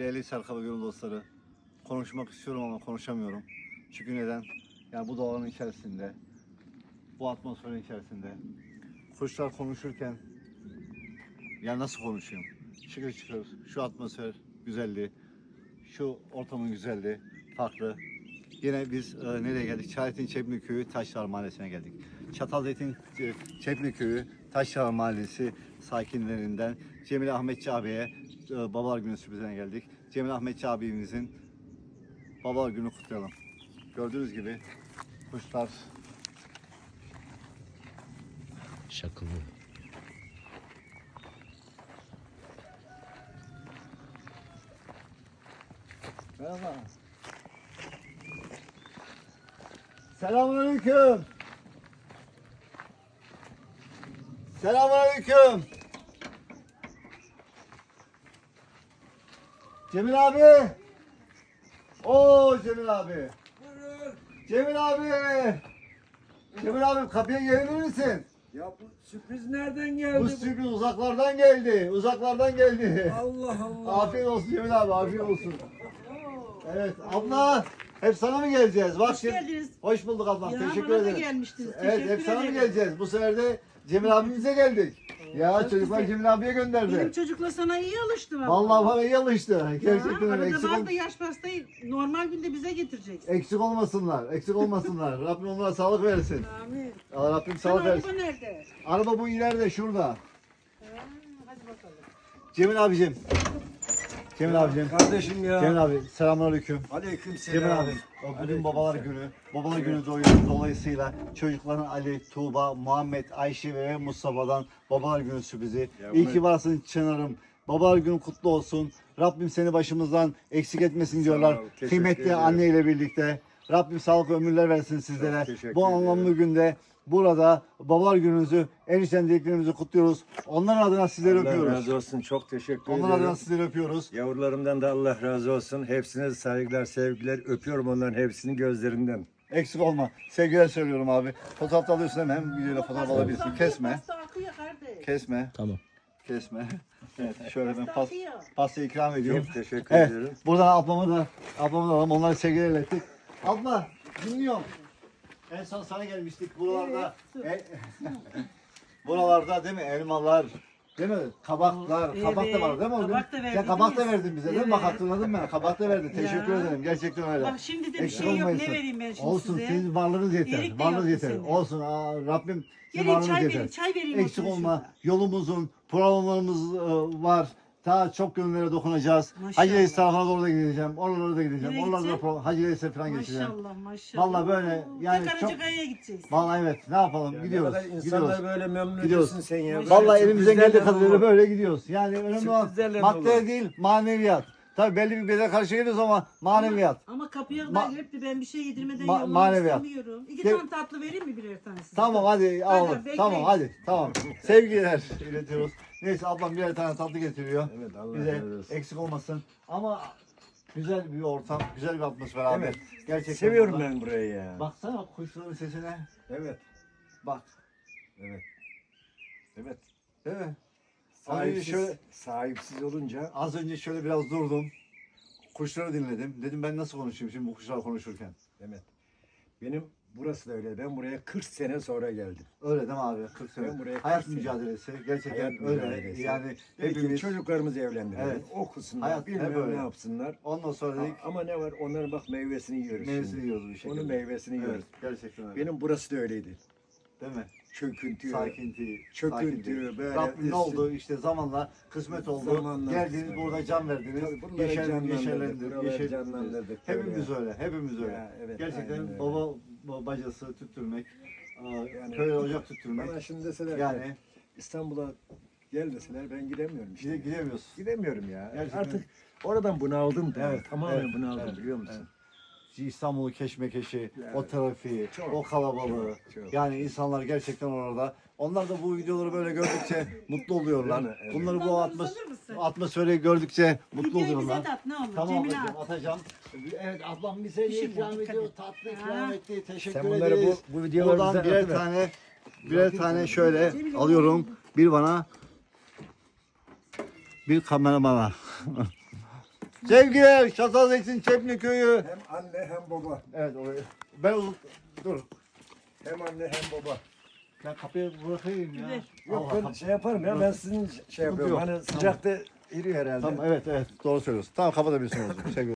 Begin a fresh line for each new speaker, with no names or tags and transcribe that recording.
Değerli Serkaba Gönül dostları, konuşmak istiyorum ama konuşamıyorum. Çünkü neden? Yani bu doğanın içerisinde, bu atmosferin içerisinde, kuşlar konuşurken ya nasıl konuşayım? Şıkır şıkır, şu atmosfer güzelliği, şu ortamın güzelliği farklı. Yine biz nereye geldik? Çayet'in Çepni Köyü Taşlar Mahallesi'ne geldik. Çatalzeytin Çepni Köyü Taşlar Mahallesi sakinlerinden Cemil Ahmetçi abiye Babalar Günü sürprizine geldik. Cemil Ahmetçi abimizin Babalar Günü kutlayalım. Gördüğünüz gibi kuşlar
Şakılı.
merhaba. Selamünaleyküm. Selamünaleyküm. Cemil abi. Oo Cemil abi.
Buyurun.
Cemil abi. Cemil abi kapıya gelebilir misin?
Ya bu sürpriz nereden geldi?
Bu sürpriz uzaklardan geldi. Uzaklardan geldi.
Allah Allah.
Afiyet olsun Cemil abi, afiyet olsun. Evet abla, hep sana mı geleceğiz? Bak
Hoş
şimdi-
geldiniz.
Hoş bulduk ablam,
Ya,
teşekkür
bana da
ederim.
gelmiştiniz.
Evet, hep
Teşekkür
sana mı
ederim.
geleceğiz? Bu sefer de Cemil abimize geldik. Ya
çok
çocuklar
güzel.
Cemil abiye gönderdi.
Benim çocukla sana iyi alıştı valla.
Vallahi bana iyi alıştı. Gerçekten öyle.
Arada
Eksik,
bazı yaş pastayı normal günde bize getireceksin.
eksik olmasınlar. Eksik olmasınlar. Rabbim onlara sağlık versin.
Amin.
Allah Rabbim
Sen
sağlık
araba
versin.
nerede?
Araba bu ileride şurada.
Ha, hadi bakalım.
Cemil abicim. Cemil abicim.
Kardeşim ya.
Cemil abi selamünaleyküm.
Aleyküm
Cemil
selam.
abi, bugün
Aleyküm
babalar
selam.
günü. Babalar günü dolayısıyla çocukların Ali, Tuğba, Muhammed, Ayşe ve Mustafa'dan babalar günü sürprizi.
Ya
İyi
bunu-
ki varsın Çınar'ım. Babalar günü kutlu olsun. Rabbim seni başımızdan eksik etmesin diyorlar.
ol, teşekkür
Kıymetli
ederim.
anne ile birlikte. Rabbim sağlık ömürler versin sizlere.
teşekkür
Bu anlamlı
ederim.
günde burada babalar gününüzü, en içten dileklerimizi kutluyoruz. Onların adına sizleri
Allah
öpüyoruz.
razı olsun. Çok teşekkür
Onların
ederim.
adına sizleri öpüyoruz.
Yavrularımdan da Allah razı olsun. Hepsine saygılar, sevgiler. Öpüyorum onların hepsini gözlerinden.
Eksik olma. Sevgiler söylüyorum abi. Fotoğraf da alıyorsun hem videoyla fotoğraf alabilirsin. Kesme.
Pasta akıyor kardeş.
Kesme.
Tamam.
Kesme. Evet şöyle ben
Pasta akıyor.
pastayı ikram ediyorum.
Çok teşekkür
Evet.
ederim.
Buradan ablamı da alalım. Onları sevgiler ilettik. Abla dinliyorum. En son sana gelmiştik buralarda. Buralarda değil mi? Elmalar. Değil mi? Kabaklar.
Evet,
Kabak da var değil mi? o gün?
kabak da
Sen kabak da
verdiniz.
verdin bize değil mi? Bak
Evet.
hatırladın mı? Kabak da verdin. Teşekkür
Ya.
ederim. Gerçekten öyle.
Bak şimdi de bir
Eksik
şey yok.
olmayasın.
Ne vereyim ben şimdi
Olsun
size?
sizin varlığınız yeter.
İyilik de
Varlığınız
yok
yeter.
senin.
Olsun. Rabbim sizin
Gelin
varlığınız
çay
yeter.
vereyim. Çay vereyim.
Eksik
oturun
olma.
şurada.
Yolumuzun, programlarımız var. Daha çok gönüllere dokunacağız.
Maşallah.
Hacı Reis tarafına doğru da gideceğim. Oralara da gideceğim.
Nereye
Oralarda da
gideceksin?
Hacı Reis'e falan geçeceğim.
Maşallah maşallah.
Vallahi böyle yani
Tek
çok...
Karacakaya'ya gideceğiz.
Vallahi evet. Ne yapalım?
Ya
gidiyoruz.
ne kadar
Gidiyoruz.
insanlar böyle memnun
Gidiyoruz.
ediyorsun sen ya. Böyle
Vallahi elimizden geldiği
sürprizlerle
kadarıyla
dolu.
böyle gidiyoruz. Yani önemli olan
Sürprizlerle
madde
dolu.
değil, maneviyat. Tabii belli bir bedel karşı geliyoruz ama maneviyat.
Ama kapıya
Ma-
kadar gelip de ben bir şey yedirmeden
Ma-
yollamak
maneviyat.
istemiyorum. İki
Gel-
tane tatlı vereyim mi birer tanesi?
Tamam hadi alalım.
bekleyin.
Tamam hadi. Tamam. Sevgiler iletiyoruz. Neyse ablam birer tane tatlı getiriyor.
Evet Allah
Bize
razı olsun.
eksik olmasın. Ama güzel bir ortam, güzel bir atmosfer abi.
Evet.
Gerçekten
Seviyorum
burada.
ben burayı ya.
Baksana kuşların sesine.
Evet.
Bak.
Evet. Evet.
Değil mi? Az önce
Sahipsiz,
şöyle
sahipsiz olunca
az önce şöyle biraz durdum. Kuşları dinledim. Dedim ben nasıl konuşayım şimdi bu kuşlar konuşurken.
evet. Benim burası da öyle. Ben buraya 40 sene sonra geldim.
Öyle değil mi abi? 40 sene.
Ben buraya
Hayat
40 sene.
mücadelesi. Gerçekten
Hayat
öyle.
mücadelesi.
Yani
Peki
hepimiz.
çocuklarımızı evlendirelim.
Evet.
Okusunlar.
Hayat hep
bilmem
öyle.
ne yapsınlar.
Ondan sonra dedik
Ama ne var? Onların bak meyvesini yiyoruz
meyvesini
şimdi.
yiyoruz bir şekilde.
Onun meyvesini
Evet,
yiyoruz.
gerçekten öyle.
Benim burası da öyleydi.
Değil mi?
Çöküntü.
Sakinti,
Çöküntü, böyle
Rabbim ne
üstü-
oldu işte zamanla kısmet oldu.
Zamanla
Geldiniz
kısmet
burada
oldu.
can verdiniz.
Tabii buraları canlandırdık,
Yeşerlendir,
buraları canlandırdık,
Hepimiz
böyle.
öyle, hepimiz öyle.
Ya, evet,
Gerçekten
aynen öyle.
bacası tüttürmek,
Yani-
köye ocak tüttürmek.
Bana şimdi deseler
Yani
İstanbul'a gel deseler ben gidemiyorum işte.
gidemiyoruz.
Gidemiyorum ya.
Gerçekten.
Artık oradan bunaldım da.
Evet,
Tamamen
evet,
bunaldım
evet,
biliyor musun?
İstanbul'u keşmekeşi,
Yani,
o trafiği,
çok,
o kalabalığı.
çok.
Yani insanlar gerçekten orada. Onlar da bu videoları böyle gördükçe mutlu oluyorlar.
Değil mi? Evet.
Bunları bu
Bundan uzanır mısın?
atmosferi gördükçe mutlu
Videoyu
oluyorlar.
bize de at ne olur.
Tamam
Cemile
ablacığım
at.
atacağım. Evet ablam bize
İşim
ikram
var, dikkat
ediyor.
et.
Tatlı
Ha.
ikram etti. Teşekkür
Sen bunları
ederiz.
bu videoları
Buradan
bize
birer
atıver.
tane şöyle
Cemile,
alıyorum. Bir bana bir kameramana. Sevgiler Çatalzeytin Çepni Köyü.
Hem anne hem baba.
Evet orayı. Ben dur.
Hem anne hem baba.
Ben kapıyı bırakayım ya.
Ver.
Yok
Allah
ben
Allah.
şey yaparım ya ben sizin şey yapıyorum.
yok.
Hani sıcakta eriyor herhalde.
Tamam evet doğru söylüyorsun. Tamam kapatabilirsin o zaman. Sevgiler.